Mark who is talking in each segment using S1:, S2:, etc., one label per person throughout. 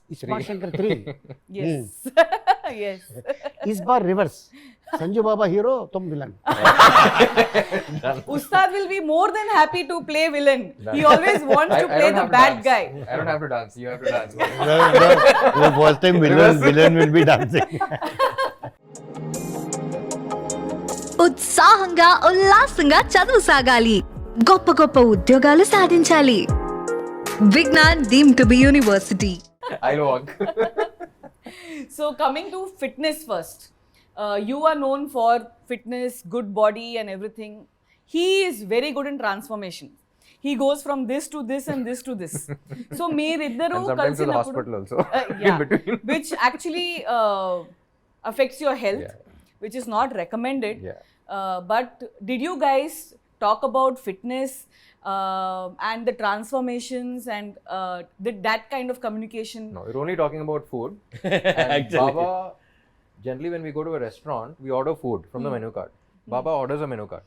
S1: इस बार Shankar 3.
S2: Yes. Yes.
S1: इस बार रिवर्स. संजू बाबा हीरो, तुम villain.
S2: Ustad will be more than happy to play villain. He always wants to play the bad guy.
S3: I don't have to dance. You have to dance.
S1: The first time villain will be dancing.
S4: ఉత్సాహంగా ఉల్లాసంగా చదువు సాగాలి, గొప్ప గొప్ప ఉద్యోగాలు సాధించాలి. Vignan deemed to be university.
S3: I'll walk.
S2: So coming to fitness first, you are known for fitness, good body and everything. He is very good in transformation. He goes from this to this and this to this. So meeriddaru
S3: And sometimes to the hospital also. In between.
S2: which actually affects your health,
S3: Yeah.
S2: which is not recommended.
S3: Yeah.
S2: But did you guys talk about fitness and the transformations and did that kind of communication?
S3: No, we're only talking about food. And Baba, generally when we go to a restaurant, we order food from the menu card. Baba orders a menu card.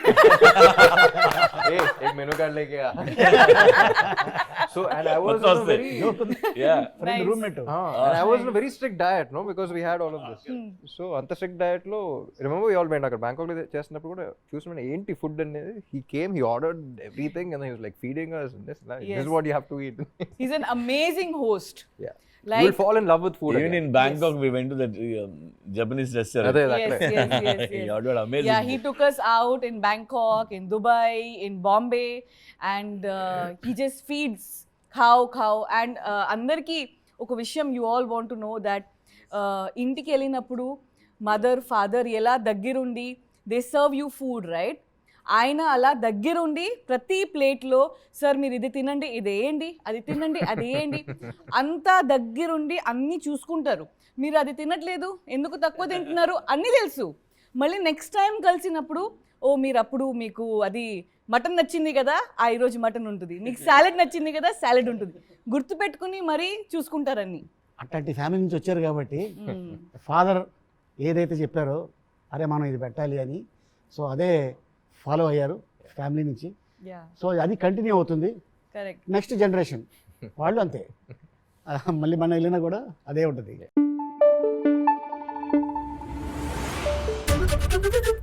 S3: Hey, एक menu card लेके आ. So and I was on a very
S2: Nice.
S1: roommate.
S3: and I was on a very strict diet, no, because we had all of this. So anta strict diet lo, remember we all went అక్కడ Bangkok లో చేస్తున్నప్పుడు కూడా చూసిన ఏంటి food అనేది, he came, he ordered everything and then he was like feeding us and this
S2: Yes.
S3: is what you have to eat.
S2: He's an amazing host.
S3: Yeah.
S2: Like,
S3: You will fall in love with food
S5: Even
S3: again.
S5: in Bangkok, we went to that Japanese restaurant.
S3: అదే
S2: yes, yes, yes,
S5: He
S2: yes.
S5: ordered amazing.
S2: Yeah, he took us out in Bangkok, in Dubai, in Bombay, and he just feeds cow. And andarki oka vishayam you all want to know that intiki వెళ్ళినప్పుడు mother, father ఎలా దగ్గరుండి they serve you food, right? ఆయన అలా దగ్గరుండి ప్రతి ప్లేట్లో sir మీరు ఇది తినండి, ఇది వేయండి, అది తినండి, అది వేయండి, అంతా దగ్గరుండి అన్నీ చూసుకుంటారు. మీరు అది తినట్లేదు, ఎందుకు తక్కువ తింటున్నారు అన్నీ తెలుసు. మళ్ళీ నెక్స్ట్ టైం కలిసినప్పుడు ఓ మీరు అప్పుడు మీకు అది మటన్ నచ్చింది కదా, ఈరోజు మటన్ ఉంటుంది, మీకు సాలెడ్ నచ్చింది కదా, సాలెడ్ ఉంటుంది, గుర్తుపెట్టుకుని మరీ చూసుకుంటారని.
S1: అట్లాంటి ఫ్యామిలీ నుంచి వచ్చారు కాబట్టి ఫాదర్ ఏదైతే చెప్పారో అరే మనం ఇది పెట్టాలి అని, సో అదే ఫాలో అయ్యారు ఫ్యామిలీ నుంచి.
S2: యా,
S1: సో అది కంటిన్యూ అవుతుంది.
S2: కరెక్ట్.
S1: నెక్స్ట్ జనరేషన్ వాళ్ళు అంతే, మళ్ళీ మనం వెళ్ళినా కూడా అదే ఉంటుంది.